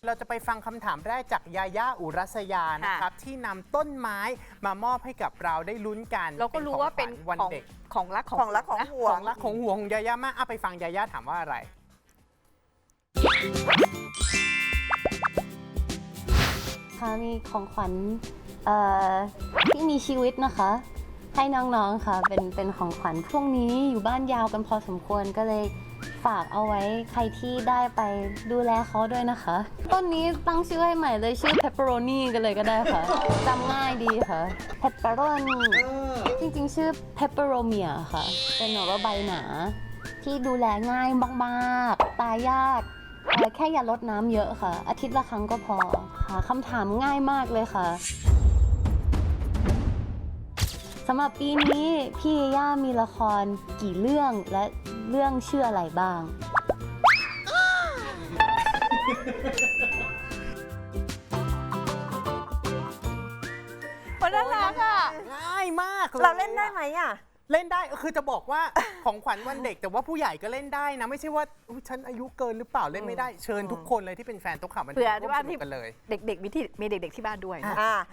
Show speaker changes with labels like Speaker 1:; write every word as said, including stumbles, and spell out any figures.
Speaker 1: เราจะไปฟังคำถามแรกจากยาย่าอุรัสยานะครับที่นำต้นไม้มามอบให้กับเราได้ลุ้นกัน
Speaker 2: เราก็รู้ว่าเป็น
Speaker 1: วัน
Speaker 2: ของ
Speaker 1: เด็ก
Speaker 2: ของรักของ
Speaker 3: ของรักของ
Speaker 2: นะ
Speaker 3: ห่ว
Speaker 1: ของ งรักของห่วงของยาย่ามากอ่ะไปฟังยาย่าถามว่าอะไร
Speaker 4: ค่ะมีของขวัญเอ่อที่มีชีวิตนะคะ ให้น้องๆค่ะเป็นเป็นของขวัญพรุ่งนี้อยู่บ้านยาวกันพอสมควรก็เลยฝากเอาไว้ใครที่ได้ไปดูแลเขาด้วยนะคะต้นนี้ตั้งชื่อให้ใหม่เลยชื่อ pepperoni กันเลยก็ได้ค่ะจำง่ายดีค่ะ pepperoni จริงๆชื่อ pepperomia ค่ะ เป็นหน่อว่าใบหนา ที่ดูแลง่ายมากๆตายยากเอ่อแค่อย่าลดน้ำเยอะค่ะ อาทิตย์ละครั้งก็พอค่ะคำถามง่ายมากเลยค่ะสำหรับปีนี้พี่ย่ามีละครกี่เรื่องและเรื่องชื่ออะไรบ้าง
Speaker 2: มันน่ารักอ่ะ
Speaker 1: ง่ายมากย
Speaker 3: เราเล่นได้ไหมอ่ะ
Speaker 1: เล่นได้คือจะบอกว่า ของขวัญวันเด็กแต่ว่าผู้ใหญ่ก็เล่นได้นะ ไม่ใช่ว่าอุ๊ยฉันอายุเกินหรือเปล่าเล่นไม่ได้เชิญทุกคนเลยที่เป็นแฟนตุ๊กข่าวมัน
Speaker 2: เผื่อ
Speaker 1: ร่วม
Speaker 2: ว่า
Speaker 1: สนุ
Speaker 2: ที่
Speaker 1: กกันเลย
Speaker 2: เด็กๆมีที่มีเด็กๆที่บ้านด้วย
Speaker 3: อ่า